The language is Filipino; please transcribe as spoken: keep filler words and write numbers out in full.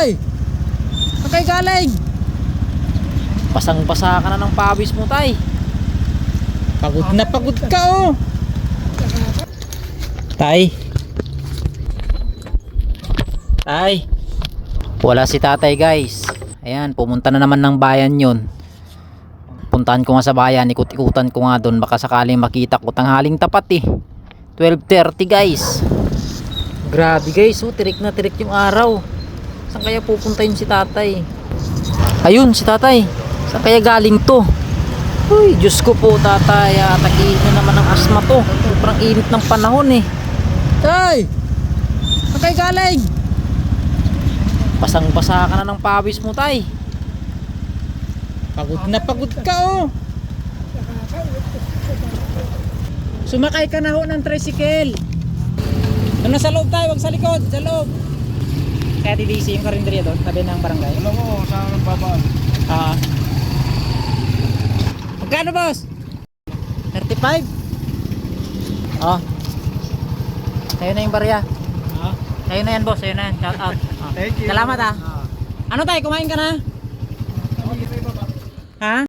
Tay! Saan kayo galing? Pasang-basa ka na ng pawis mo, tay. Pagod na pagod ka oh. Tay. Tay. Wala si tatay, guys. Ayan, pumunta na naman ng bayan yun. Puntahan ko nga sa bayan, ikut-ikutan ko nga doon. Baka sakaling makita ko. Tanghaling tapat eh. twelve thirty, guys. Grabe, guys. Oh, tirik na tirik yung araw. Saan kaya pupunta yun si tatay? Ayun, si tatay. Saan kaya galing to? Uy, Diyos ko po, tatay. Atakihin na naman ng asma to. Sobrang init ng panahon eh. Tay! Saan kayo galing? Pasang-basa ka na ng pawis mo, tay. Pagod na pagod ka oh. Sumakay ka na ho ng tricycle. Doon na sa loob tayo, wag sa likod, sa loob. Kaya D D C yung karinderya doon, tabi ng barangay. Alam mo, saan ang babaan? Ah. Magkano, boss? thirty-five? Oh. Sa'yo na yung barya. Ah. Sa'yo na yan, boss. Sa'yo na yan. Shout out. Oh. Thank you. Salamat, ah. Ano tayo, kumain ka na? Ah. Ha?